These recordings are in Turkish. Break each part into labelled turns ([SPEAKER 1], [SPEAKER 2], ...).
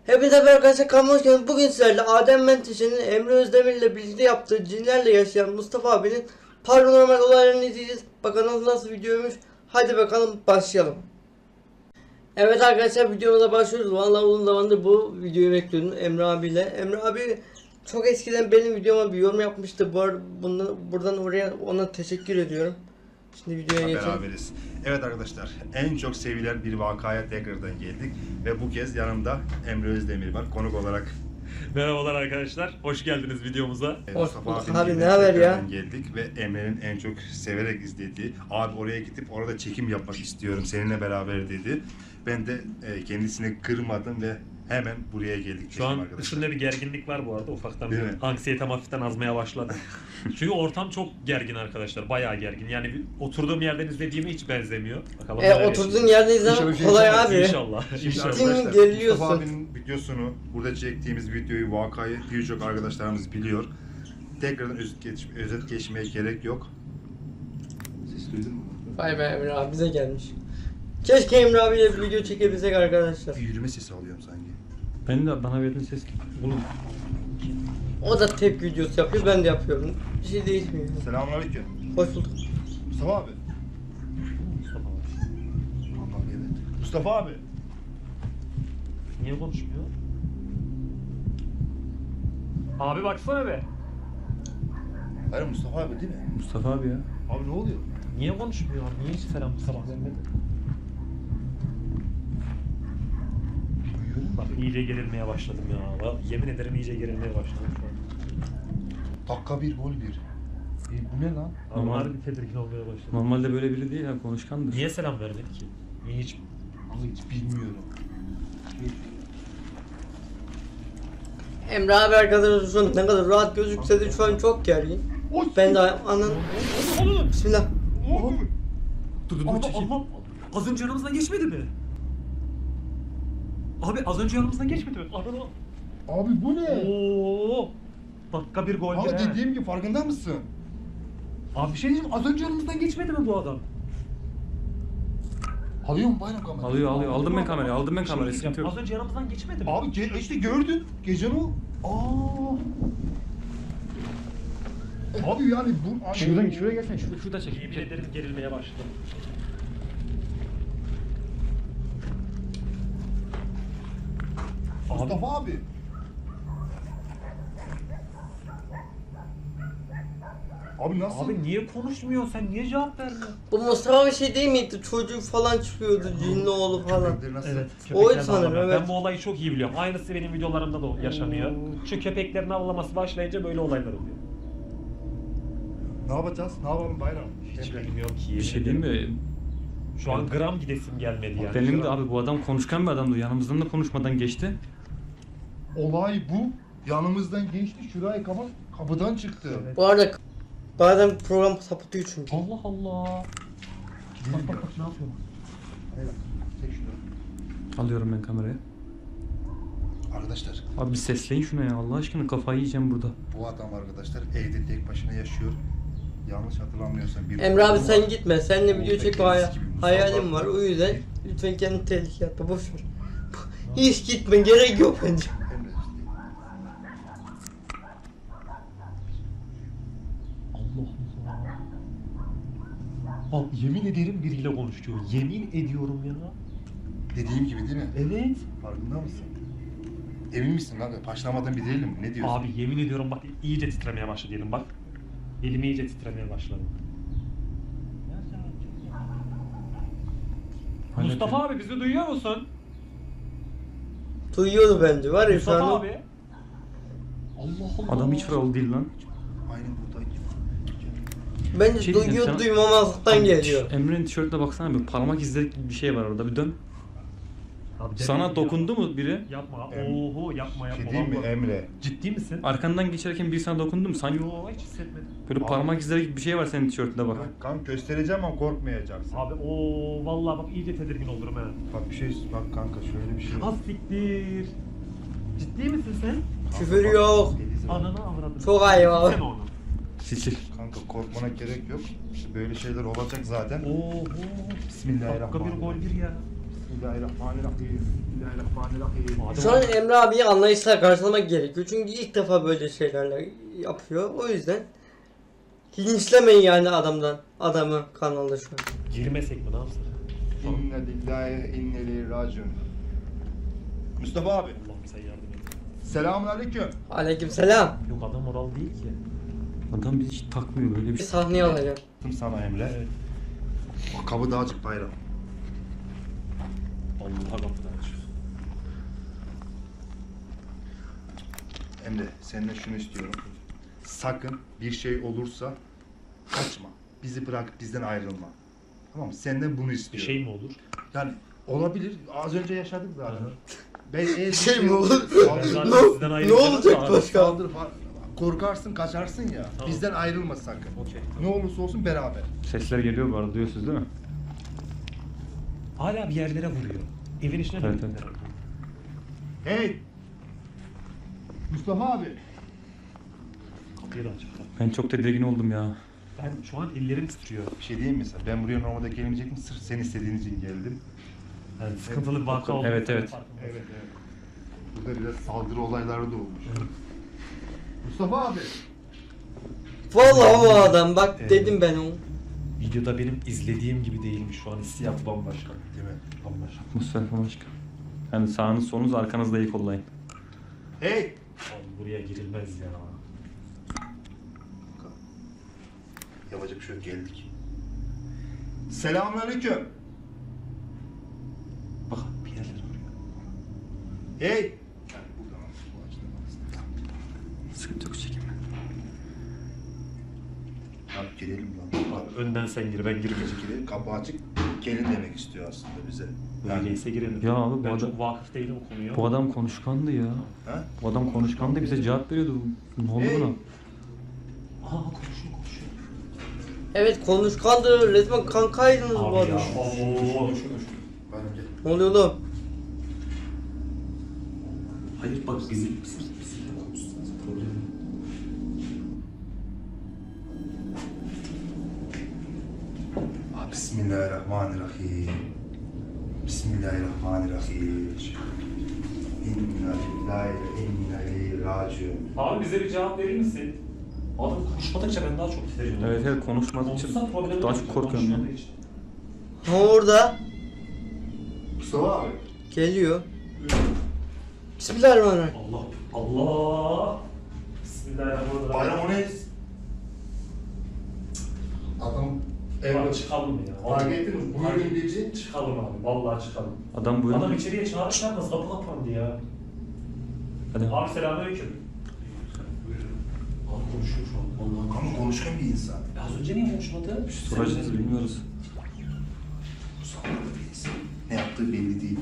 [SPEAKER 1] Hepinize merhaba arkadaşlar, kanalıma hoş geldiniz. Bugün sizlerle Adem Menteşe'nin Emre Özdemir ile birlikte yaptığı cinlerle yaşayan Mustafa abinin paranormal olaylarını izleyeceğiz. Bakalım nasıl videoymuş. Hadi bakalım başlayalım. Evet arkadaşlar, videomuza başlıyoruz. Vallahi uzun zamandır bu videoyu bekliyordum Emre abiyle. Emre abi çok eskiden benim videoma bir yorum yapmıştı. Buradan oraya ona teşekkür ediyorum. Şimdi videoya geçelim.
[SPEAKER 2] Beraberiz. Evet arkadaşlar, en çok sevilen bir vakaya tekrardan geldik ve bu kez yanımda Emre Özdemir var konuk olarak.
[SPEAKER 3] Merhabalar arkadaşlar, hoş geldiniz videomuza.
[SPEAKER 2] Mustafa abinin
[SPEAKER 1] abi,
[SPEAKER 2] evine
[SPEAKER 1] ne haber ya?
[SPEAKER 2] tekrardan geldik ve Emre'nin en çok severek izlediği, abi oraya gidip orada çekim yapmak istiyorum seninle beraber dedi. Ben de kendisini kırmadım ve hemen buraya geldik.
[SPEAKER 3] Şu an
[SPEAKER 2] arkadaşlar.
[SPEAKER 3] dışında bir gerginlik var bu arada, ufaktan bir
[SPEAKER 2] Değil mi?
[SPEAKER 3] anksiyetem hafiften azmaya başladı. Çünkü ortam çok gergin arkadaşlar, bayağı gergin. Yani oturduğum yerden izlediğime hiç benzemiyor. Bakalım neler
[SPEAKER 1] Oturduğun
[SPEAKER 3] yaşayacağız.
[SPEAKER 1] yerde izlemek kolay abi.
[SPEAKER 3] İnşallah.
[SPEAKER 2] Şimdi
[SPEAKER 3] İnşallah.
[SPEAKER 2] arkadaşlar,
[SPEAKER 1] geriliyorsun.
[SPEAKER 2] Mustafa abinin videosunu, burada çektiğimiz videoyu, vakayı birçok arkadaşlarımız biliyor. Tekrardan özet geçmeye gerek yok. Ses duydun mu?
[SPEAKER 1] Vay be, Emre abi bize gelmiş. Keşke Emre abiyle bir video çekebilsek arkadaşlar.
[SPEAKER 2] Bir yürüme sesi alıyorum sanki.
[SPEAKER 3] Ben de bana verdiğin ses bunu.
[SPEAKER 1] O da tepki videosu yapıyor, ben de yapıyorum. Bir şey değişmiyor.
[SPEAKER 2] Selamünaleyküm.
[SPEAKER 1] Hoş bulduk.
[SPEAKER 2] Mustafa abi.
[SPEAKER 3] Mustafa abi.
[SPEAKER 2] Bak evet. Mustafa abi.
[SPEAKER 3] Niye konuşmuyor? Abi baksana be.
[SPEAKER 2] Hayır Mustafa abi değil mi?
[SPEAKER 4] Mustafa abi ya.
[SPEAKER 2] Abi ne oluyor?
[SPEAKER 3] Niye konuşmuyor? Niye hiç selam sabah vermedi? Bak iyice gerilmeye başladım ya. Yemin ederim iyice gerilmeye başladım şu an.
[SPEAKER 2] Dakika bir gol bir. Bu ne lan?
[SPEAKER 3] Abi
[SPEAKER 4] Normal-
[SPEAKER 3] harbi tedirgin olmaya başladım.
[SPEAKER 4] Normalde böyle biri değil ya, konuşkandır.
[SPEAKER 3] Niye selam vermedi ki? Niye hiç?
[SPEAKER 2] Abi hiç bilmiyorum.
[SPEAKER 1] Emre abi arkadaşlar şu an ne kadar rahat gözükse de şu an çok gergin. Ben de anan... Bismillah.
[SPEAKER 3] Dur Allah, az önce yanımızdan geçmedi mi? Abi az önce yanımızdan geçmedi mi? Ananı.
[SPEAKER 2] Abi bu ne?
[SPEAKER 3] Oo. Dakika bir gol
[SPEAKER 2] Abi
[SPEAKER 3] be.
[SPEAKER 2] dediğim gibi farkında mısın?
[SPEAKER 3] Abi bir şey diyeceğim, az önce yanımızdan geçmedi mi bu adam?
[SPEAKER 2] Alıyor mu bayram kamerayı?
[SPEAKER 4] Alıyor. Aldım ben kamerayı. Aldım ben
[SPEAKER 3] Bir şey
[SPEAKER 4] kamerayı.
[SPEAKER 3] diyeceğim,
[SPEAKER 4] Sıkıntı yok.
[SPEAKER 3] az önce yanımızdan geçmedi mi?
[SPEAKER 2] Abi işte gördün. Gecen o. Abi yani bu... Abi,
[SPEAKER 4] Şuraya gelsene. Şurada çek.
[SPEAKER 3] Yemin ederim gerilmeye başladım. Abi,
[SPEAKER 2] Mustafa abi. Abi nasıl?
[SPEAKER 3] abi niye konuşmuyor? Sen niye cevap vermiyorsun?
[SPEAKER 1] Bu Mustafa bir şey değil miydi? Çocuk falan çıkıyordu, cinli oğlu falan.
[SPEAKER 2] Köpekleri nasıl?
[SPEAKER 3] Evet.
[SPEAKER 1] Oydu
[SPEAKER 3] köpeklerini
[SPEAKER 1] sanırım,
[SPEAKER 3] avlamak.
[SPEAKER 1] evet.
[SPEAKER 3] Ben bu olayı çok iyi biliyorum. Aynısı benim videolarımda da yaşanıyor. Şu köpeklerin avlaması başlayınca böyle olaylar oluyor.
[SPEAKER 2] Ne yapacağız? Ne yapalım bayram?
[SPEAKER 3] Hiç bilmiyorum ki.
[SPEAKER 4] Bir şey diyeyim mi?
[SPEAKER 3] Şu an gram gidesim gelmedi yani.
[SPEAKER 4] Benim de
[SPEAKER 3] Gram.
[SPEAKER 4] abi bu adam konuşkan bir adamdı. Yanımızdan da konuşmadan geçti.
[SPEAKER 2] Olay bu. Yanımızdan geçti. Şuraya kapıdan çıktı.
[SPEAKER 3] Evet.
[SPEAKER 1] Bu arada bazen program sapıtıyor çünkü.
[SPEAKER 3] Allah Allah.
[SPEAKER 2] Gidelim
[SPEAKER 3] Bak
[SPEAKER 2] ya.
[SPEAKER 3] ne yapıyor?
[SPEAKER 2] Evet. Çek şunu.
[SPEAKER 4] Alıyorum ben kamerayı.
[SPEAKER 2] Arkadaşlar
[SPEAKER 4] Abi bir sesleyin şuna ya. Allah aşkına kafayı yiyeceğim burada.
[SPEAKER 2] bu adam arkadaşlar evde tek başına yaşıyor. Yanlış hatırlamıyorsam bir
[SPEAKER 1] Emre abi
[SPEAKER 2] oğlu
[SPEAKER 1] sen
[SPEAKER 2] var.
[SPEAKER 1] gitme. Seninle video çekme
[SPEAKER 2] Kendisi gibi musallat
[SPEAKER 1] hayalim var.
[SPEAKER 2] var.
[SPEAKER 1] O yüzden lütfen kendini tehlikeye atma. Boş ver. Hiç gitme. Gerek yok bence.
[SPEAKER 2] Emre işte.
[SPEAKER 3] Allah Allah. Abi yemin ederim biriyle konuşuyor. Yemin ediyorum ya.
[SPEAKER 2] Dediğim gibi değil mi?
[SPEAKER 3] Evet.
[SPEAKER 2] Farkında mısın? Emin misin kanka? Paşlamadan bir değilim. Ne diyorsun?
[SPEAKER 3] Abi yemin ediyorum bak iyice titremeye başladı elim bak. Elim iyice titremeye başladı.
[SPEAKER 4] Hala
[SPEAKER 3] Mustafa abi bizi duyuyor musun?
[SPEAKER 1] Duyuyordu bence. Var ya şu
[SPEAKER 3] Mustafa
[SPEAKER 1] an.
[SPEAKER 3] abi. Allah Allah.
[SPEAKER 4] Adam hiç oralı değil lan.
[SPEAKER 2] Aynen buradayım.
[SPEAKER 1] Bence
[SPEAKER 4] Şey diyeceğim,
[SPEAKER 1] duyuyor
[SPEAKER 4] sen-
[SPEAKER 1] duymamazlıktan geliyor.
[SPEAKER 4] Emre'nin tişörtüne baksana, bir parmak izleri gibi bir şey var orada. Bir dön.
[SPEAKER 3] Abi
[SPEAKER 4] Sana
[SPEAKER 3] dedim
[SPEAKER 4] dokundu mu biri?
[SPEAKER 3] Yapma.
[SPEAKER 2] Em-
[SPEAKER 3] Oho yapma yapma.
[SPEAKER 2] Şey diyeyim mi
[SPEAKER 3] Vallahi.
[SPEAKER 2] Emre?
[SPEAKER 3] Ciddi misin?
[SPEAKER 4] Arkandan geçerken biri sana dokundu mu? Sanki
[SPEAKER 3] Yo hiç hissetmedim.
[SPEAKER 4] böyle
[SPEAKER 2] Abi.
[SPEAKER 4] parmak izleri gibi bir şey var senin tişörtünde bak.
[SPEAKER 2] Kanka göstereceğim ama korkmayacaksın.
[SPEAKER 3] Abi o vallahi bak iyice tedirgin olurum ha.
[SPEAKER 2] Bak bir şey bak kanka şöyle bir şey.
[SPEAKER 3] Az siktir. Ciddi misin sen?
[SPEAKER 1] Küfür yok.
[SPEAKER 2] Deniz var.
[SPEAKER 3] Ananı avradın.
[SPEAKER 1] Çok ayıp abi.
[SPEAKER 3] Sen onu.
[SPEAKER 4] Sil.
[SPEAKER 2] Kanka korkmana gerek yok. İşte böyle şeyler olacak zaten.
[SPEAKER 3] Oho.
[SPEAKER 2] Bismillahirrahmanirrahim.
[SPEAKER 3] Dakika bir gol bir ya.
[SPEAKER 2] Bismillahirrahmanirrahim. Bismillahirrahmanirrahim.
[SPEAKER 3] Adem
[SPEAKER 1] Şu an
[SPEAKER 3] abi,
[SPEAKER 1] Emre abiyi anlayışla karşılamak gerekiyor. Çünkü ilk defa böyle şeylerle yapıyor. O yüzden linçlemeyin yani adamı kanalda şu an.
[SPEAKER 3] girmesek mi ne yapsak?
[SPEAKER 2] İnne lillahi inne ileyhi raciun. Mustafa abi.
[SPEAKER 3] Allah'ım sen yardım et.
[SPEAKER 2] Selamünaleyküm.
[SPEAKER 1] Aleykümselam.
[SPEAKER 3] Yok adam oral değil ki.
[SPEAKER 4] Adam bizi hiç takmıyor böyle bir
[SPEAKER 1] Bir
[SPEAKER 4] şey.
[SPEAKER 1] sahneye alacağım.
[SPEAKER 2] Sana Emre.
[SPEAKER 3] Evet.
[SPEAKER 2] O kabı dağcık bayram.
[SPEAKER 3] Allah'a kapıdan açıyor.
[SPEAKER 2] Emre seninle şunu istiyorum. Sakın bir şey olursa kaçma. Bizi bırak, bizden ayrılma. Tamam mı? Senden bunu
[SPEAKER 3] Bir
[SPEAKER 2] istiyorum.
[SPEAKER 3] şey mi olur?
[SPEAKER 2] Yani olabilir. Az önce yaşadık zaten.
[SPEAKER 3] Hı hı.
[SPEAKER 2] Ben eğer bir
[SPEAKER 1] Şey mi olur?
[SPEAKER 3] Ben
[SPEAKER 2] Saldır,
[SPEAKER 3] zaten
[SPEAKER 1] Ne-
[SPEAKER 3] sizden
[SPEAKER 1] ne
[SPEAKER 3] ayrılacağım
[SPEAKER 1] olacak
[SPEAKER 3] da abi.
[SPEAKER 1] başka?
[SPEAKER 2] saldır falan. Korkarsın, kaçarsın ya.
[SPEAKER 3] Tamam.
[SPEAKER 2] Bizden ayrılma sakın.
[SPEAKER 3] Okey.
[SPEAKER 2] Ne olursa olsun beraber.
[SPEAKER 4] Sesler geliyor bu arada, duyuyorsunuz değil mi?
[SPEAKER 3] Hala bir yerlere vuruyor. Evin içine
[SPEAKER 4] Evet,
[SPEAKER 3] mi?
[SPEAKER 4] evet.
[SPEAKER 2] Hey! Mustafa abi.
[SPEAKER 3] Kapıyı da açık.
[SPEAKER 4] Ben çok tedirgin oldum ya.
[SPEAKER 3] Ben şu an ellerim titriyor.
[SPEAKER 2] Bir şey diyeyim mi sana? Ben buraya normalde gelmeyecektim. Sırf sen istediğin için geldim.
[SPEAKER 3] Yani sıkıntılı bir vaka oldu.
[SPEAKER 4] Evet, evet.
[SPEAKER 2] Evet. Burada biraz saldırı olayları da olmuş. Mustafa abi.
[SPEAKER 1] Vallahi bu adam bak
[SPEAKER 3] Evet.
[SPEAKER 1] dedim ben onu.
[SPEAKER 3] Videoda benim izlediğim gibi değilmiş şu an. Hissiyat bambaşka.
[SPEAKER 2] Değil mi?
[SPEAKER 3] Bambaşka.
[SPEAKER 4] Atmosfer başka. Yani sağınız solunuz arkanızda iyi kollayın.
[SPEAKER 2] Hey!
[SPEAKER 3] Abi buraya girilmez ya.
[SPEAKER 2] Yapacak bir şey yok, geldik. Selamünaleyküm.
[SPEAKER 3] Bak bir yerlere vuruyor.
[SPEAKER 2] Hey! Yani buradan bu açıdan aslında.
[SPEAKER 4] Sıkıntı yok, çekinme.
[SPEAKER 2] Abi girelim lan.
[SPEAKER 3] Abi önden sen gir, ben girmeyeceğim.
[SPEAKER 2] Girelim. Kapı açık. Gelin demek istiyor aslında bize.
[SPEAKER 3] Öyleyse girelim.
[SPEAKER 4] Ya abi bu
[SPEAKER 3] ben
[SPEAKER 4] adam-
[SPEAKER 3] çok vakıf değilim o konuya.
[SPEAKER 4] Bu adam konuşkandı ya.
[SPEAKER 2] Ha?
[SPEAKER 4] Bu adam konuşkandı, bize cevap veriyordu. Ne oldu
[SPEAKER 2] Hey!
[SPEAKER 4] buna?
[SPEAKER 3] Aa konuşuyor.
[SPEAKER 1] Evet konuşkandı. Resmen kankaydınız bu
[SPEAKER 3] Abi ya.
[SPEAKER 1] adam.
[SPEAKER 3] Oo.
[SPEAKER 2] Bence.
[SPEAKER 1] Ne oluyor oğlum?
[SPEAKER 3] Hayır bak bizimle konuşsanız problem yok.
[SPEAKER 2] Bismillahirrahmanirrahim. Bismillahirrahmanirrahim. İnna lillahi ve inna ileyhi raciun.
[SPEAKER 3] Abi bize bir cevap verir misin? Adam konuşmadıkça ben daha çok titriyorum.
[SPEAKER 4] Evet evet, konuşmadıkça
[SPEAKER 3] Konuşsa problem
[SPEAKER 4] daha
[SPEAKER 3] yok.
[SPEAKER 4] çok korkuyorum ya.
[SPEAKER 3] Konuşmadığı için.
[SPEAKER 1] Ha orada
[SPEAKER 2] Mustafa abi.
[SPEAKER 1] geliyor. Bismillahirrahmanirrahim.
[SPEAKER 3] Allah. Allah. Bismillahirrahmanirrahim.
[SPEAKER 2] Bayram o ne? Adam
[SPEAKER 3] Abi
[SPEAKER 2] evde
[SPEAKER 3] çıkalım mı ya?
[SPEAKER 2] Fark ettiniz mi? Buyurun dedi.
[SPEAKER 3] Çıkalım abi. Vallahi çıkalım.
[SPEAKER 4] Adam bu
[SPEAKER 3] Adam
[SPEAKER 4] yana...
[SPEAKER 3] içeriye çağırırken nasıl kapı kapandı ya?
[SPEAKER 4] Hadi.
[SPEAKER 3] Abi selamünaleyküm. Abi konuşuyor şu an. Vallahi
[SPEAKER 2] Ama konuşkan bir insan.
[SPEAKER 3] Az önce niye konuşmadı?
[SPEAKER 4] Soracağız, bilmiyoruz.
[SPEAKER 2] Bu sağlıklı bir insan. Ne yaptığı belli değil.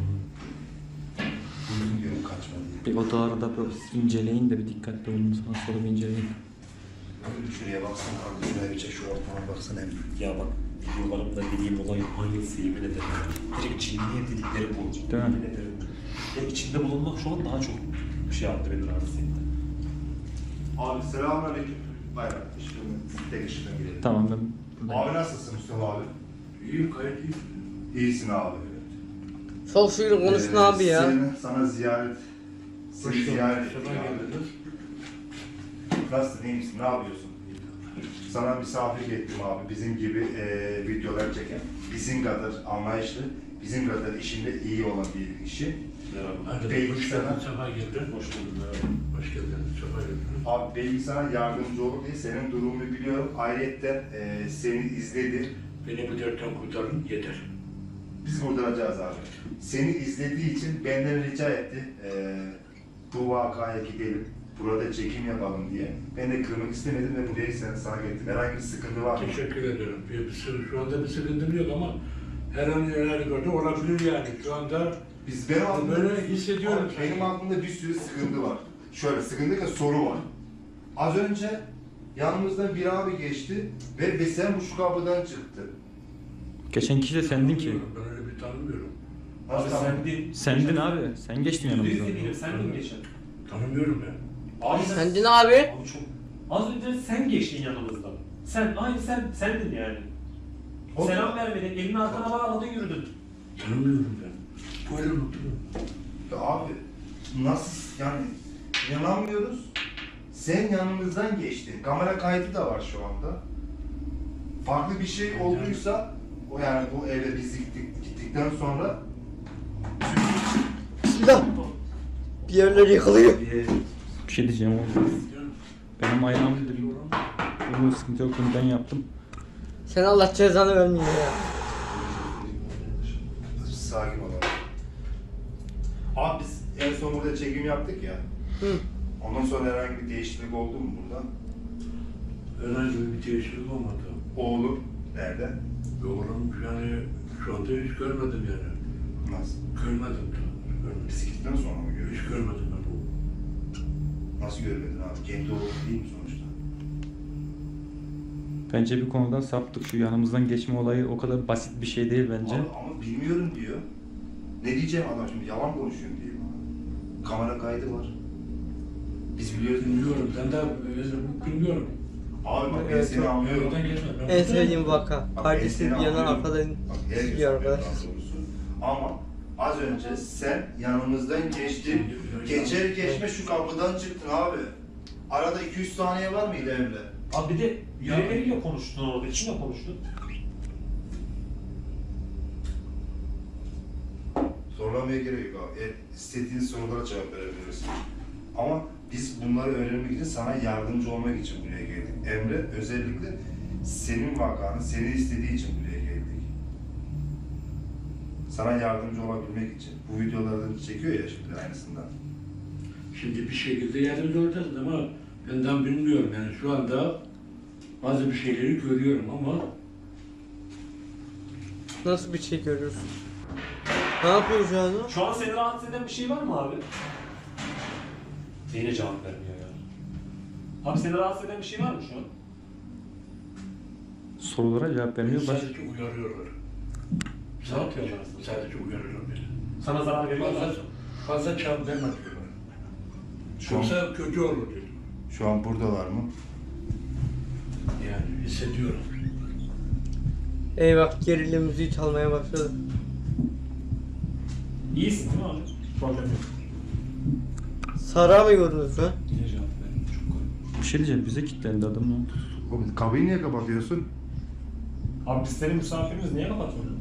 [SPEAKER 2] Buyurun diyorum kaçma diye.
[SPEAKER 4] Bir odaları da böyle inceleyin de bir dikkatli olun. Sağa sola bir inceleyin.
[SPEAKER 2] Şuraya baksana kanka, şuraya bir çek, şu ortama baksana hem.
[SPEAKER 3] Ya bak videolarımda dediğim olay aynısı yemin ederim. Direkt cinliye dedikleri bu.
[SPEAKER 4] Değil mi?
[SPEAKER 3] Yemin ederim. Ya içinde bulunmak şu an daha çok bir şey yaptı beni rahatsız etti.
[SPEAKER 2] Abi selamünaleyküm. Bayram. Tek ışıktan girelim.
[SPEAKER 4] Tamam ben...
[SPEAKER 2] Abi nasılsın Mustafa abi?
[SPEAKER 5] İyiyim, gayet iyiyim.
[SPEAKER 2] İyisin abi.
[SPEAKER 1] Çok şükür konuştun abi ya.
[SPEAKER 2] Sana ziyaret. Seni
[SPEAKER 5] Hoş
[SPEAKER 2] ziyaret
[SPEAKER 5] geldiniz,
[SPEAKER 2] ettik
[SPEAKER 5] sefa
[SPEAKER 2] abi.
[SPEAKER 5] geldiniz.
[SPEAKER 2] Nasılsın, iyi misin, ne yapıyorsun? Sana misafir ettim abi, bizim gibi videolar çeken, bizim kadar anlayışlı, bizim kadar işinde iyi olan bir kişi.
[SPEAKER 5] Merhaba.
[SPEAKER 2] Bey,
[SPEAKER 5] Hoş
[SPEAKER 2] sana-
[SPEAKER 5] geldin, sefa geldin. Hoş bulduk. Merhaba. Hoş geldin, sefa geldin.
[SPEAKER 2] Abi belki sana yardımcı olur diye senin durumunu biliyorum. Ayrıca seni izledi.
[SPEAKER 5] Beni bu dertten kurtarın, yeter.
[SPEAKER 2] Biz kurtaracağız abi. Seni izlediği için benden rica etti. Bu vakaya gidelim. Burada çekim yapalım diye. Ben de kırmak istemedim ve buraya sana getirdim. Herhangi bir sıkıntı var mı?
[SPEAKER 5] Teşekkür ederim. Şu anda bir sıkıntım yok ama her an herhalde olabilir yani. Şu anda
[SPEAKER 2] Benim aklımda,
[SPEAKER 5] böyle hissediyorum.
[SPEAKER 2] Abi, benim aklımda bir sürü sıkıntı var. Şöyle sıkıntı ki soru var. Az önce yanımızdan bir abi geçti ve sen bu şu kapıdan çıktı.
[SPEAKER 4] Geçen kişi de sendin ki.
[SPEAKER 5] Ben öyle bir tanımıyorum.
[SPEAKER 3] Abi
[SPEAKER 2] Nasıl
[SPEAKER 3] sen değil.
[SPEAKER 4] Sendin abi. Sen geçtin yanımızdan.
[SPEAKER 3] Sen mi geçen?
[SPEAKER 5] Tanımıyorum ben.
[SPEAKER 3] Abi
[SPEAKER 1] Sendin abi.
[SPEAKER 3] Abi çok... Az önce sen geçtin yanımızdan. Sen, aynı sendin yani.
[SPEAKER 2] O-
[SPEAKER 3] Selam vermedin, elini arkana bağladı yürüdün.
[SPEAKER 5] Tanımıyorum ben. Böyle oturuyorum.
[SPEAKER 2] Ya abi nasıl yani inanamıyoruz. Sen yanımızdan geçtin. Kamera kaydı da var şu anda. Farklı bir şey olduysa o yani bu eve biz gittikten sonra
[SPEAKER 1] Bismillah. Bir yerler yıkılıyor.
[SPEAKER 4] Bir şey diyeceğim oğlum. Benim ayağım dedim. Bunun sıkıntı yok, bunu ben yaptım.
[SPEAKER 1] Sen Allah cezanı vermiyor ya.
[SPEAKER 2] sakin olalım. Abi biz en son burada çekim yaptık ya.
[SPEAKER 1] Hı.
[SPEAKER 2] Ondan sonra herhangi bir değişiklik oldu mu burada?
[SPEAKER 5] Herhangi bir değişiklik olmadı.
[SPEAKER 2] Oğlum nerede?
[SPEAKER 5] Oğlum yani şu anda hiç görmedim yani.
[SPEAKER 2] Nasıl?
[SPEAKER 5] Görmedim da. Görmedim.
[SPEAKER 2] Biz gittikten sonra mı görüyoruz?
[SPEAKER 5] Hiç görmedim ben oğlum.
[SPEAKER 2] Nasıl görmedin abi? Kendi oğlum değil mi sonuçta?
[SPEAKER 4] Bence bir konudan saptık. Şu yanımızdan geçme olayı o kadar basit bir şey değil bence.
[SPEAKER 2] Ama bilmiyorum diyor. Ne diyeceğim adam şimdi yalan konuşuyorum diye bana. Kamera kaydı var. Biz biliyoruz.
[SPEAKER 5] Bilmiyorum. Ben de bilmiyorum.
[SPEAKER 2] Abi bak ben
[SPEAKER 1] Evet,
[SPEAKER 2] seni anlıyorum.
[SPEAKER 5] Oradan geçme. Ben
[SPEAKER 1] En
[SPEAKER 5] buradayım.
[SPEAKER 1] sevdiğim vaka.
[SPEAKER 2] Bak,
[SPEAKER 1] Kardeşim
[SPEAKER 2] ben
[SPEAKER 1] bir
[SPEAKER 2] seni
[SPEAKER 1] yana
[SPEAKER 2] anlıyorum.
[SPEAKER 1] arkadan
[SPEAKER 2] Bak, herkes
[SPEAKER 1] gidiyor
[SPEAKER 2] anlıyor
[SPEAKER 1] arkadaş.
[SPEAKER 2] daha doğrusu. Ama az önce sen yanımızdan geçtin. Geçer geçme şu kapıdan çıktın abi. Arada 200 saniye var mıydı Emre?
[SPEAKER 3] Abi bir de birileriyle konuştun orada. Kimle konuştun?
[SPEAKER 2] Zorlamaya gerek yok abi. İstediğin sorulara cevap verebilirsin. Ama biz bunları öğrenmek için sana yardımcı olmak için buraya geldik. Emre özellikle senin vakanı, seni istediği için buraya geldik. Sana yardımcı olabilmek için. Bu videolardan çekiyor ya şimdi aynısından.
[SPEAKER 5] Şimdi bir şekilde yardımcı olacağız ama benden bilmiyorum yani şu anda bazı bir şeyleri görüyorum ama
[SPEAKER 1] Nasıl bir şey görüyorsun? Ne yapıyorsun şu anda?
[SPEAKER 3] Şu an seni rahatsız eden bir şey var mı abi? Yine cevap vermiyor ya. Abi seni rahatsız eden bir şey var mı şu an?
[SPEAKER 4] Sorulara cevap vermiyor.
[SPEAKER 5] sadece uyarıyorlar.
[SPEAKER 3] Ne yapıyorlar?
[SPEAKER 5] Sadece uyarıyorlar beni.
[SPEAKER 3] Sana zarar veriyorlar.
[SPEAKER 5] Fazla çabuk verme diyorlar.
[SPEAKER 2] Şu an,
[SPEAKER 5] Yoksa kötü olur diyor.
[SPEAKER 2] şu an buradalar mı?
[SPEAKER 5] Yani hissediyorum.
[SPEAKER 1] Eyvah, gerilim müziği çalmaya başladı.
[SPEAKER 3] İyisin değil mi abi? Problem yok.
[SPEAKER 1] Sara mı gördünüz lan?
[SPEAKER 3] Yine cevap vermiyor. Çok garip.
[SPEAKER 4] Bir şey diyeceğim, bize kilitlendi adam lan.
[SPEAKER 2] Oğlum kapıyı niye kapatıyorsun?
[SPEAKER 3] Abi biz senin misafirimiz niye kapatıyorsun?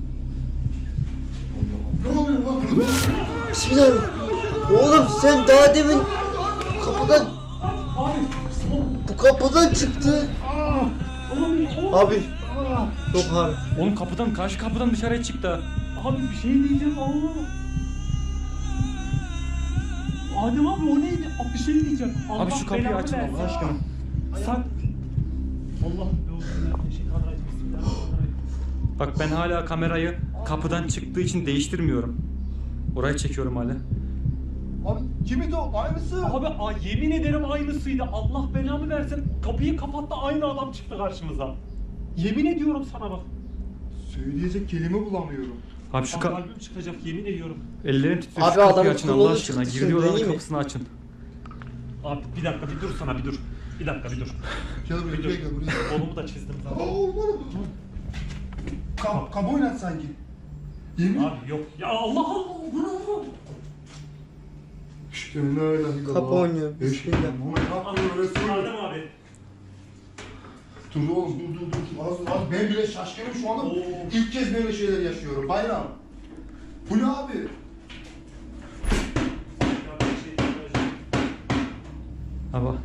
[SPEAKER 2] Ne oluyor lan?
[SPEAKER 1] Bismillah. Oğlum sen daha demin kapıdan
[SPEAKER 3] Abi!
[SPEAKER 1] bu kapıdan çıktı. Abi. Yok abi.
[SPEAKER 4] Oğlum kapıdan, karşı kapıdan dışarıya çıktı.
[SPEAKER 3] Abi bir şey diyeceğim Allah. Adem abi o neydi? Abi bir şey diyeceğim.
[SPEAKER 4] Abi şu kapıyı
[SPEAKER 3] belanı
[SPEAKER 4] açın
[SPEAKER 3] versin.
[SPEAKER 4] Allah aşkına.
[SPEAKER 3] Sen... Allah'ım Bismillahirrahmanirrahim.
[SPEAKER 4] Bak ben hala kamerayı kapıdan çıktığı için değiştirmiyorum. Orayı çekiyorum hala.
[SPEAKER 2] Abi kimdi o? Aynısı.
[SPEAKER 3] Abi yemin ederim aynısıydı. Allah belamı versin. Kapıyı kapattı aynı adam çıktı karşımıza. Yemin ediyorum sana bak.
[SPEAKER 2] Söyleyecek kelime bulamıyorum.
[SPEAKER 4] Abi şu
[SPEAKER 3] Kalbim çıkacak yemin ediyorum.
[SPEAKER 4] ellerim titriyor.
[SPEAKER 1] Abi
[SPEAKER 4] Şu kapıyı
[SPEAKER 1] adamın
[SPEAKER 4] açın Allah
[SPEAKER 1] kolu
[SPEAKER 4] aşkına.
[SPEAKER 1] çıktı
[SPEAKER 4] Girdiği
[SPEAKER 1] şimdi,
[SPEAKER 4] odanın
[SPEAKER 1] iyi mi?
[SPEAKER 4] kapısını açın.
[SPEAKER 3] Abi bir dakika bir dur sana bir dur. Bir dakika bir dur.
[SPEAKER 2] Gel
[SPEAKER 3] Bir
[SPEAKER 2] buraya,
[SPEAKER 3] dur.
[SPEAKER 2] gel buraya.
[SPEAKER 3] Kolumu da çizdim zaten.
[SPEAKER 2] Kap oynat sanki. Yemin.
[SPEAKER 3] Abi yok. Ya Allah Allah. Bu ne oğlum?
[SPEAKER 2] İşte la ilahe illallah.
[SPEAKER 1] Kapı oynuyor. Bismillah.
[SPEAKER 3] Adem abi.
[SPEAKER 2] Dur oğlum dur. Az ben bile şaşkınım şu anda.
[SPEAKER 3] Oo.
[SPEAKER 2] İlk kez böyle şeyler yaşıyorum. Bayram. Bu ne abi?
[SPEAKER 4] Abi.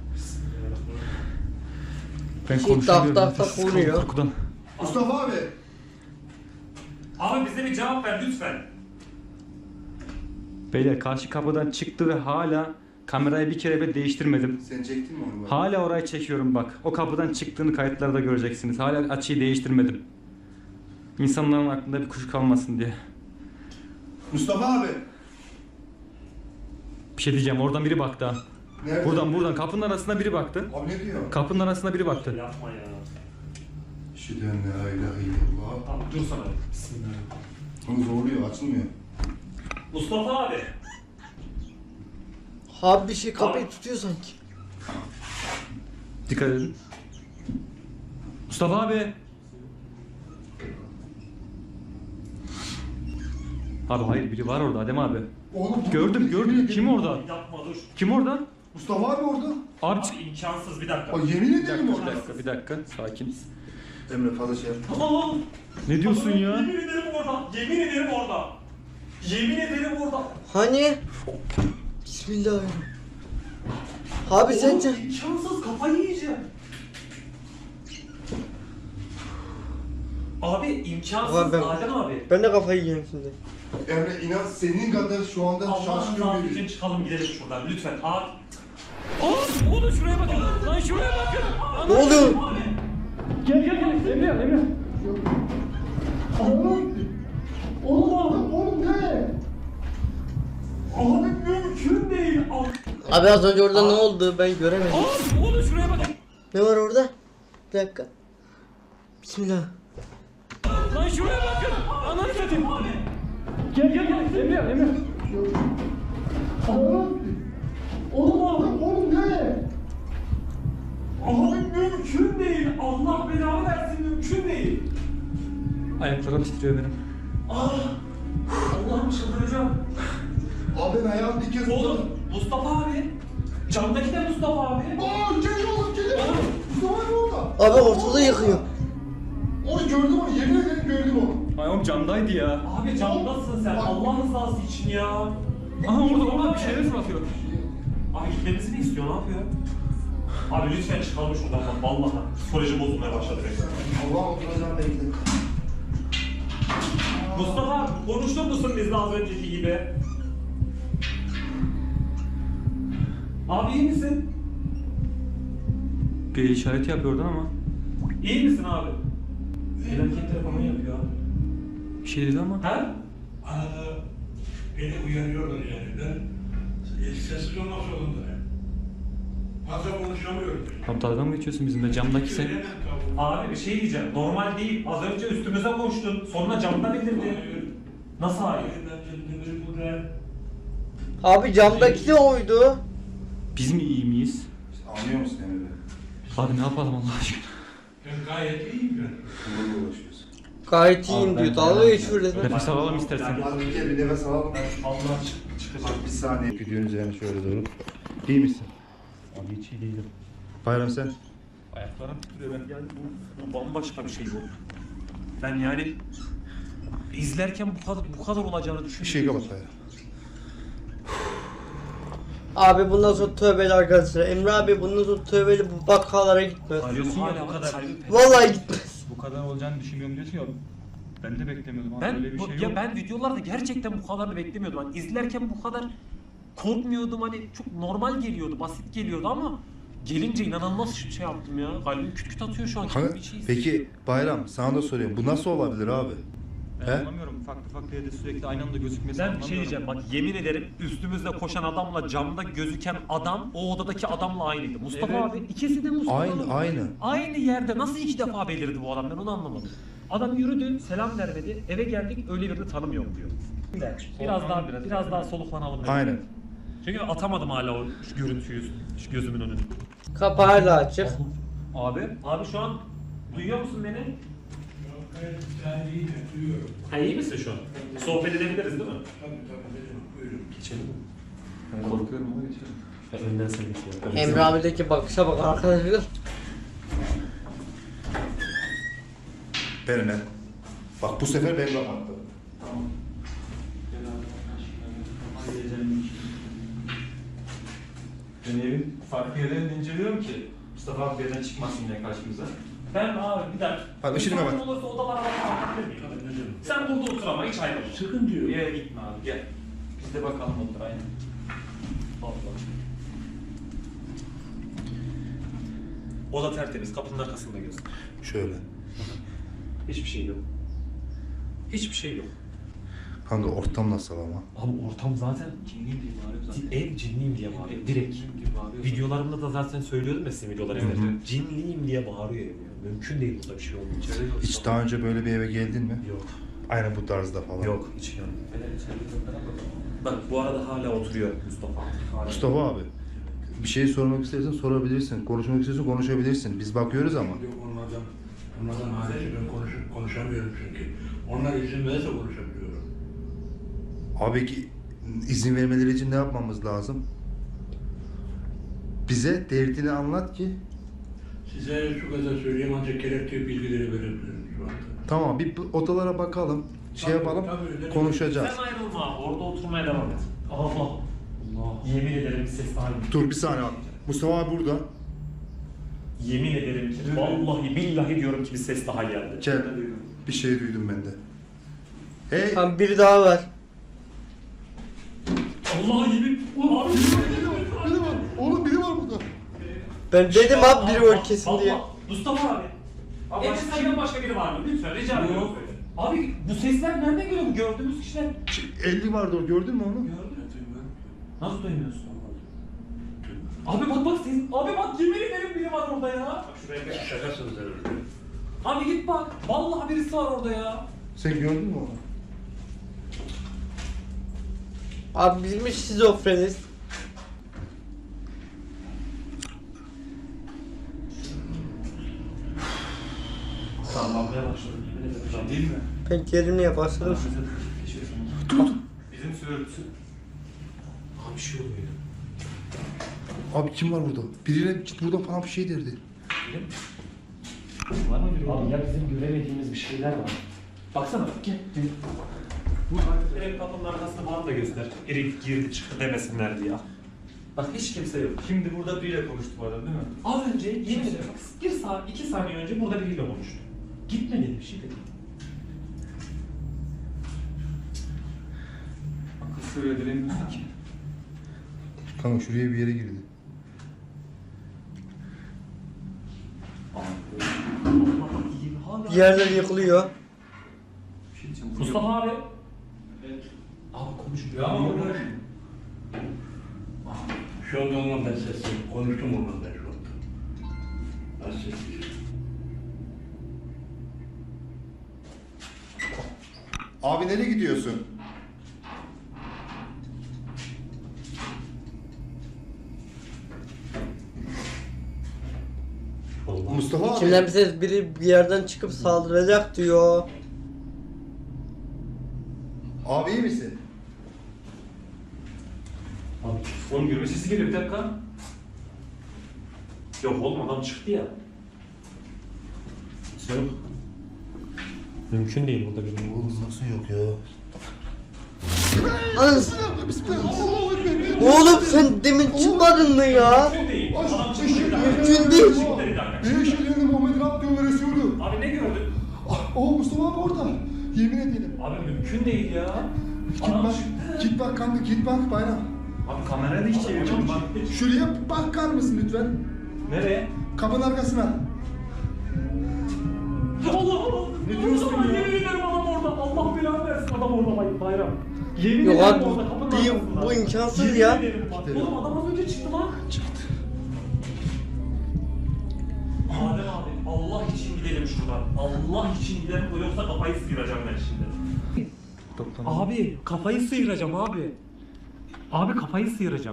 [SPEAKER 4] Ben
[SPEAKER 1] Ki
[SPEAKER 4] konuşamıyorum.
[SPEAKER 1] tak tak tak
[SPEAKER 4] Sıkıldım
[SPEAKER 1] vuruyor.
[SPEAKER 4] korkudan.
[SPEAKER 2] Mustafa abi.
[SPEAKER 3] Abi bize bir cevap ver lütfen.
[SPEAKER 4] Beyler karşı kapıdan çıktı ve hala kamerayı bir kere bile değiştirmedim.
[SPEAKER 2] Sen çektin mi onu?
[SPEAKER 4] Hala orayı çekiyorum bak. O kapıdan çıktığını kayıtlarda göreceksiniz. Hala açıyı değiştirmedim. İnsanların aklında bir kuşku kalmasın diye.
[SPEAKER 2] Mustafa abi.
[SPEAKER 4] Bir şey diyeceğim, oradan biri baktı ha.
[SPEAKER 2] Nerede?
[SPEAKER 4] Buradan kapının arasına biri baktı.
[SPEAKER 2] Abi ne diyor?
[SPEAKER 4] Kapının arasına biri baktı.
[SPEAKER 3] Yapma ya.
[SPEAKER 2] Şüden la ilahe illallah.
[SPEAKER 3] Tamam dur sana. Bismillahirrahmanirrahim.
[SPEAKER 2] Onu zorluyor, açılmıyor.
[SPEAKER 3] Mustafa abi.
[SPEAKER 1] Abi bir şey kapıyı tutuyor sanki.
[SPEAKER 4] Dikkat edin. Mustafa abi. Abi hayır biri var orada Adem abi.
[SPEAKER 2] Oğlum
[SPEAKER 4] Gördüm. Kim orada?
[SPEAKER 3] Yapma dur.
[SPEAKER 4] Kim orada?
[SPEAKER 2] Mustafa abi orada.
[SPEAKER 4] Abi
[SPEAKER 3] Abi imkansız bir dakika.
[SPEAKER 2] Ay yemin ederim orada.
[SPEAKER 4] bir dakika. Sakin.
[SPEAKER 2] Emre fazla şey yapma.
[SPEAKER 3] Tamam.
[SPEAKER 4] Ne diyorsun ya?
[SPEAKER 3] Yemin ederim orada. Yemin ederim orada. Yemin ederim orada.
[SPEAKER 1] Hani? Bismillahirrahmanirrahim. Abi sence?
[SPEAKER 3] İmkansız, kafayı yiyeceğim. Abi imkansız
[SPEAKER 1] Ulan ben-
[SPEAKER 3] Adem abi.
[SPEAKER 1] Ben de kafayı yiyeyim şimdi.
[SPEAKER 2] Emre inan senin kadar şu anda
[SPEAKER 3] Allah'ın
[SPEAKER 2] şaşkın
[SPEAKER 3] rızası
[SPEAKER 2] biri.
[SPEAKER 3] için çıkalım gidelim şuradan lütfen. Abi.
[SPEAKER 4] Oğlum şuraya bakın. Lan şuraya bakın.
[SPEAKER 1] Ne oluyor?
[SPEAKER 4] Gel. Emre.
[SPEAKER 2] Oğlum ne?
[SPEAKER 3] Abi mümkün değil.
[SPEAKER 1] Abi az önce orada ne oldu ben göremedim.
[SPEAKER 4] Oğlum şuraya bakın.
[SPEAKER 1] Ne var orada? Bir dakika. Bismillah.
[SPEAKER 4] Lan şuraya bakın. Ananı satayım. Gel. Emre.
[SPEAKER 2] Oğlum ne?
[SPEAKER 3] Abi mümkün değil. Allah belanı versin mümkün değil.
[SPEAKER 4] Ayaklarım titriyor benim.
[SPEAKER 3] Allah'ım çıldıracağım.
[SPEAKER 2] Abi ben ayağım bir kez
[SPEAKER 3] Oğlum Mustafa abi. Camdaki de Mustafa abi.
[SPEAKER 2] Gel oğlum gel. Mustafa abi orada.
[SPEAKER 1] Abi ortalığı yıkıyor.
[SPEAKER 2] Onu gördüm onu yemin ederim gördüm onu.
[SPEAKER 4] Ay oğlum camdaydı ya.
[SPEAKER 3] Abi camdasın sen. Allah rızası için ya.
[SPEAKER 4] Aha orada bir şeyler fırlatıyor.
[SPEAKER 3] Abi gitmemizi mi istiyor? Ne yapıyor? Abi lütfen çıkalım şuradan bak. Vallahi psikolojim bozulmaya başladı benim.
[SPEAKER 2] Allah oturacağım bekle.
[SPEAKER 3] Mustafa abi konuştur musun bizle az önceki gibi? Abi iyi misin?
[SPEAKER 4] Bir işaret yapıyor oradan ama.
[SPEAKER 3] İyi misin abi? Felaket falan yapıyor abi.
[SPEAKER 4] Bir şey dedi ama.
[SPEAKER 3] Ha?
[SPEAKER 5] Arada beni uyarıyorlar yani. Ben sessiz olmak zorundayım. Fazla konuşamıyorum.
[SPEAKER 4] Abi dalga mı geçiyorsun bizimle? Camdaki sen.
[SPEAKER 5] Söylemem kabul.
[SPEAKER 3] Abi bir şey diyeceğim. Normal değil. Az önce üstümüze koştun. Sonra camdan indirdin.
[SPEAKER 5] Hayır.
[SPEAKER 3] Nasıl hayır?
[SPEAKER 5] Ben kendimi burada...
[SPEAKER 1] Abi camdaki de oydu.
[SPEAKER 4] Biz mi iyi miyiz?
[SPEAKER 2] Anlıyor musun Emre?
[SPEAKER 4] Abi ne yapalım Allah aşkına?
[SPEAKER 5] Ben gayet iyiyim ben.
[SPEAKER 2] Bunlarla uğraşıyoruz.
[SPEAKER 1] Gayet iyiyim diyor. Dalga geçiyor resmen.
[SPEAKER 4] Nefes alalım istersen.
[SPEAKER 2] Hadi bir kere bir nefes alalım.
[SPEAKER 3] Allah çıkacak.
[SPEAKER 2] Bir saniye. Gidiyorsun üzerine şöyle doğru. İyi misin?
[SPEAKER 3] Abi hiç iyi değilim.
[SPEAKER 2] Bayram sen?
[SPEAKER 3] Ayaklarım titriyor. Ben yani bu bambaşka bir şey bu. Ben yani izlerken bu kadar olacağını
[SPEAKER 2] Bir
[SPEAKER 3] düşünmüyorum.
[SPEAKER 2] şey kapat Bayram.
[SPEAKER 1] Abi bundan sonra tövbeli arkadaşlar. Emre abi bundan sonra tövbeli bu bakkallara gitmez.
[SPEAKER 3] Diyorsun
[SPEAKER 4] ya,
[SPEAKER 3] ya
[SPEAKER 4] bu kadar.
[SPEAKER 1] Vallahi gitmez.
[SPEAKER 4] Bu kadar olacağını düşünmüyorum diyorsun ya. Ben de beklemiyordum abi.
[SPEAKER 3] Ben
[SPEAKER 4] Öyle bir şey yok.
[SPEAKER 3] ya ben videolarda gerçekten bu kadarını beklemiyordum. Hani izlerken bu kadar korkmuyordum. Hani çok normal geliyordu, basit geliyordu ama gelince inanılmaz şey yaptım ya. Kalbim küt küt atıyor şu an.
[SPEAKER 2] Kanka,
[SPEAKER 3] Bir şey
[SPEAKER 2] peki Bayram sana da soruyorum. Bu nasıl olabilir abi?
[SPEAKER 4] Ben
[SPEAKER 2] He?
[SPEAKER 4] anlamıyorum. Farklı yerde sürekli aynı anda gözükmesi
[SPEAKER 3] Ben bir
[SPEAKER 4] anlamıyorum.
[SPEAKER 3] şey diyeceğim bak yemin ederim üstümüzde koşan adamla camda gözüken adam o odadaki adamla aynıydı. Mustafa
[SPEAKER 4] Evet.
[SPEAKER 3] abi ikisi de Mustafa abi.
[SPEAKER 2] Aynı.
[SPEAKER 3] Aynı yerde nasıl iki defa belirdi bu adam ben onu anlamadım. Adam yürüdü selam vermedi eve geldik öyle birini tanımıyorum diyor. Biraz daha soluklanalım. dedim.
[SPEAKER 2] Aynen.
[SPEAKER 3] Çünkü atamadım hala o şu görüntüyü şu gözümün önüne.
[SPEAKER 1] Kapı hala açık.
[SPEAKER 3] Abi şu an duyuyor musun beni?
[SPEAKER 5] Gayet güzel değil de duyuyorum.
[SPEAKER 3] Ha iyi misin şu an? Sohbet edebiliriz değil mi?
[SPEAKER 5] Tabii dedim. Buyurun.
[SPEAKER 3] Geçelim.
[SPEAKER 4] Ben korkuyorum ama geçelim.
[SPEAKER 3] Ben önden seni geçiyorum.
[SPEAKER 1] Emre abideki bakışa bak arkadaşlar.
[SPEAKER 2] Benimle. Bak bu sefer ben kapattım.
[SPEAKER 4] Ben evin farklı yerlerini inceliyorum ki Mustafa abi birden çıkmasın diye karşımıza.
[SPEAKER 3] Ben abi bir dakika.
[SPEAKER 2] Hadi ışığını
[SPEAKER 3] Müsait
[SPEAKER 2] kapat.
[SPEAKER 3] olursa odalara bakabilir miyim?
[SPEAKER 5] Tabii ne dedim.
[SPEAKER 3] Sen burada otur ama hiç ayrılma.
[SPEAKER 5] Sıkın diyor.
[SPEAKER 4] Bir yere gitme abi gel. Biz de bakalım otur aynen.
[SPEAKER 3] Allah. Oda tertemiz, kapının arkasında göz.
[SPEAKER 2] Şöyle.
[SPEAKER 3] Hiçbir şey yok. Hiçbir şey yok.
[SPEAKER 2] Kanka ortam nasıl ama?
[SPEAKER 3] Abi ortam zaten
[SPEAKER 4] Kimliğim diye bağırıyor zaten.
[SPEAKER 3] ev cinliyim diye bağırıyor. Direkt.
[SPEAKER 4] Cinliyim diye bağırıyor.
[SPEAKER 3] Videolarımda da zaten söylüyordum ya sizin videoları
[SPEAKER 4] Evet,
[SPEAKER 3] izlerken.
[SPEAKER 4] evet.
[SPEAKER 3] Cinliyim diye bağırıyor ev ya. Mümkün değil burada bir şey olmayacak.
[SPEAKER 2] Hiç daha önce böyle bir eve geldin mi?
[SPEAKER 3] Yok.
[SPEAKER 2] Aynen bu tarzda falan.
[SPEAKER 3] Yok hiç yani. Bak bu arada hala oturuyor Mustafa. Hala.
[SPEAKER 2] Mustafa abi. Bir şey sormak istersen sorabilirsin. Konuşmak istiyorsan konuşabilirsin. Biz bakıyoruz ama.
[SPEAKER 5] Yok onlardan hariç ben konuşamıyorum çünkü. Onlar izin verirse konuşabiliyorum.
[SPEAKER 2] Abi ki izin vermeleri için ne yapmamız lazım? Bize derdini anlat ki.
[SPEAKER 5] Size şu kadar söyleyeyim ancak gerekli bilgileri verebilirim şu anda.
[SPEAKER 2] Tamam bir odalara bakalım. Şey
[SPEAKER 5] Tabii,
[SPEAKER 2] yapalım.
[SPEAKER 5] tabii,
[SPEAKER 2] Konuşacağız.
[SPEAKER 3] Sen ayrılma. Orada oturmaya devam et. Allah. Allah. Yemin ederim bir ses daha geldi.
[SPEAKER 2] Dur bir saniye abi. Mustafa abi burada.
[SPEAKER 3] Yemin ederim ki vallahi billahi diyorum ki bir ses daha geldi.
[SPEAKER 2] Gel. Bir şey duydum ben de. Hey.
[SPEAKER 1] Tamam biri daha var.
[SPEAKER 3] Allah yemin. Abi.
[SPEAKER 2] Biri var. Oğlum biri var burada.
[SPEAKER 1] Ben dedim abi biri var kesin diye.
[SPEAKER 3] Mustafa abi. Abi senden başka biri var mı? Lütfen rica ediyorum. Abi bu sesler nereden geliyor? Bu gördüğümüz kişiler.
[SPEAKER 2] 50 vardı o, gördün mü onu?
[SPEAKER 3] Nasıl duymuyorsun? Abi bak ses. Abi bak yemin ederim biri var orada ya. Bak şuraya bir
[SPEAKER 5] Şaka sözleri.
[SPEAKER 3] Abi git bak. Vallahi birisi var orada ya.
[SPEAKER 2] Sen gördün mü onu?
[SPEAKER 1] Abi bilmiş şizofreniz.
[SPEAKER 3] Sallanmaya başladım. Yemin ederim. Değil mi?
[SPEAKER 1] Ben gerilmeye başladım.
[SPEAKER 3] Bizim sürüntüsü. Abi bir şey oluyor.
[SPEAKER 2] Abi kim var burada? Biriyle git buradan falan bir şey derdi.
[SPEAKER 3] Var mı biri? Abi ya bizim göremediğimiz bir şeyler var. Baksana. Gel. Ev kapının arkasında bana da göster. Biri girdi çıktı demesinler diye. Bak hiç kimse yok.
[SPEAKER 4] Şimdi burada biriyle konuştu bu adam değil mi?
[SPEAKER 3] Az önce yemin ederim bir saat, 2 saniye önce burada biriyle konuştu. Gitme dedi bir şey dedi.
[SPEAKER 4] Akıl söylediremiyorsun ki.
[SPEAKER 2] Kanka şuraya bir yere girdi.
[SPEAKER 1] Yerler yıkılıyor.
[SPEAKER 4] Bir şey diyeceğim.
[SPEAKER 3] Mustafa abi. Abi konuşmuyor.
[SPEAKER 4] Ya ama
[SPEAKER 5] Şu anda onunla ben sesliyim. Konuştum onunla ben şu anda. Az sesliyim.
[SPEAKER 2] Abi nereye gidiyorsun? Mustafa abi.
[SPEAKER 1] İçimden bir ses biri bir yerden çıkıp saldıracak diyor.
[SPEAKER 2] Abi iyi misin?
[SPEAKER 3] Abi onun yürüme sesi geliyor bir dakika. Yok oğlum adam çıktı ya. Yok. Mümkün değil burada benim.
[SPEAKER 2] Oğlum nasıl yok ya?
[SPEAKER 1] Anız. Oğlum sen demin çıkmadın mı ya?
[SPEAKER 3] Mümkün değil. Adam çıktı
[SPEAKER 2] Eşek
[SPEAKER 3] bir dakika.
[SPEAKER 1] Mümkün değil.
[SPEAKER 3] Çıktı bir dakika.
[SPEAKER 2] Bir eşeğini Muhammed Rabbim öğretiyordu.
[SPEAKER 3] Abi ne gördün?
[SPEAKER 2] O Mustafa abi orada. Yemin ederim.
[SPEAKER 3] Abi mümkün değil ya.
[SPEAKER 2] Git
[SPEAKER 3] Adam
[SPEAKER 2] bak.
[SPEAKER 3] çıktı.
[SPEAKER 2] Git bak kanka git bak bayram.
[SPEAKER 4] Abi kamerayı da hiç çevirmiyorum bak.
[SPEAKER 2] Şuraya bakar mısın lütfen?
[SPEAKER 3] Nereye?
[SPEAKER 2] Kapının arkasına.
[SPEAKER 3] Allah Allah.
[SPEAKER 2] Ne diyorsun ya?
[SPEAKER 3] Yemin ederim adam orada. Allah belanı versin adam orada bayram. Yemin
[SPEAKER 1] Yok
[SPEAKER 3] ederim
[SPEAKER 1] abi
[SPEAKER 3] orada kapının
[SPEAKER 1] bu
[SPEAKER 3] arkasında.
[SPEAKER 1] imkansız
[SPEAKER 3] Yemin
[SPEAKER 1] ya.
[SPEAKER 3] ederim bak. Oğlum adam az önce çıktı lan.
[SPEAKER 2] Çıktı.
[SPEAKER 3] Adem abi Allah için gidelim şuradan. Allah için gidelim yoksa kafayı sıyıracağım ben şimdi. Abi kafayı sıyıracağım abi. Abi kafayı sıyıracağım.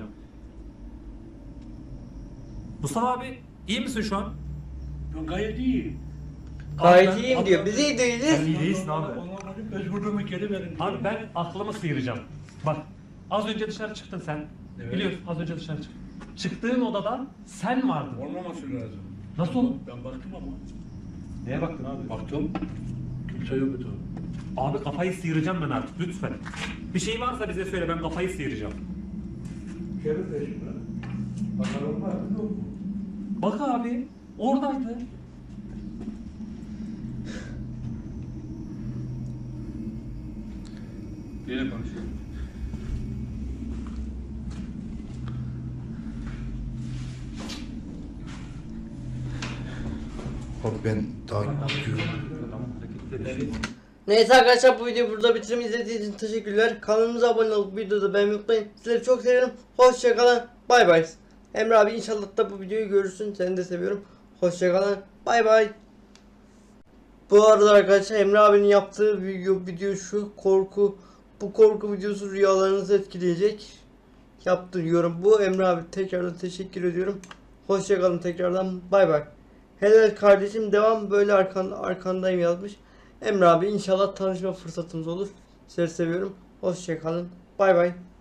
[SPEAKER 3] Mustafa abi iyi misin şu an?
[SPEAKER 5] Ben gayet iyiyim.
[SPEAKER 1] Gayet iyiyim diyor. Biz iyi değiliz.
[SPEAKER 4] İyi değilsin abi.
[SPEAKER 5] Onların mecburluğumu geri verin.
[SPEAKER 3] Abi ben aklımı sıyıracağım. Bak az önce dışarı çıktın sen.
[SPEAKER 5] Evet.
[SPEAKER 3] Biliyorsun az önce dışarı çıktın. Çıktığın odada sen vardın.
[SPEAKER 5] Olmaması lazım.
[SPEAKER 3] Nasıl olur?
[SPEAKER 5] Ben baktım ama.
[SPEAKER 3] Neye baktın abi?
[SPEAKER 5] Baktım. Kimse yoktu.
[SPEAKER 3] Abi kafayı sıyıracağım ben artık lütfen. Bir şey varsa bize söyle ben kafayı sıyıracağım.
[SPEAKER 5] Şerif de şimdi. Bakalım var mı yok mu?
[SPEAKER 3] Bak abi oradaydı.
[SPEAKER 4] Biriyle konuşuyor.
[SPEAKER 2] Abi ben daha gidiyorum.
[SPEAKER 4] Adamın hareketleri.
[SPEAKER 1] Neyse arkadaşlar bu videoyu burada bitireyim. İzlediğiniz için teşekkürler. Kanalımıza abone olup videoda beğenmeyi unutmayın. Sizleri çok seviyorum. Hoşçakalın. Bay bay. Emre abi inşallah da bu videoyu görürsün. Seni de seviyorum. Hoşçakalın. Bay bay. Bu arada arkadaşlar Emre abinin yaptığı video şu korku. Bu korku videosu rüyalarınızı etkileyecek. Yaptırıyorum. Bu Emre abi tekrardan teşekkür ediyorum. Hoşçakalın tekrardan. Bay bay. Helal kardeşim devam böyle arkandayım yazmış. Emre abi inşallah tanışma fırsatımız olur. Sizleri seviyorum. Hoşçakalın. Bay bay.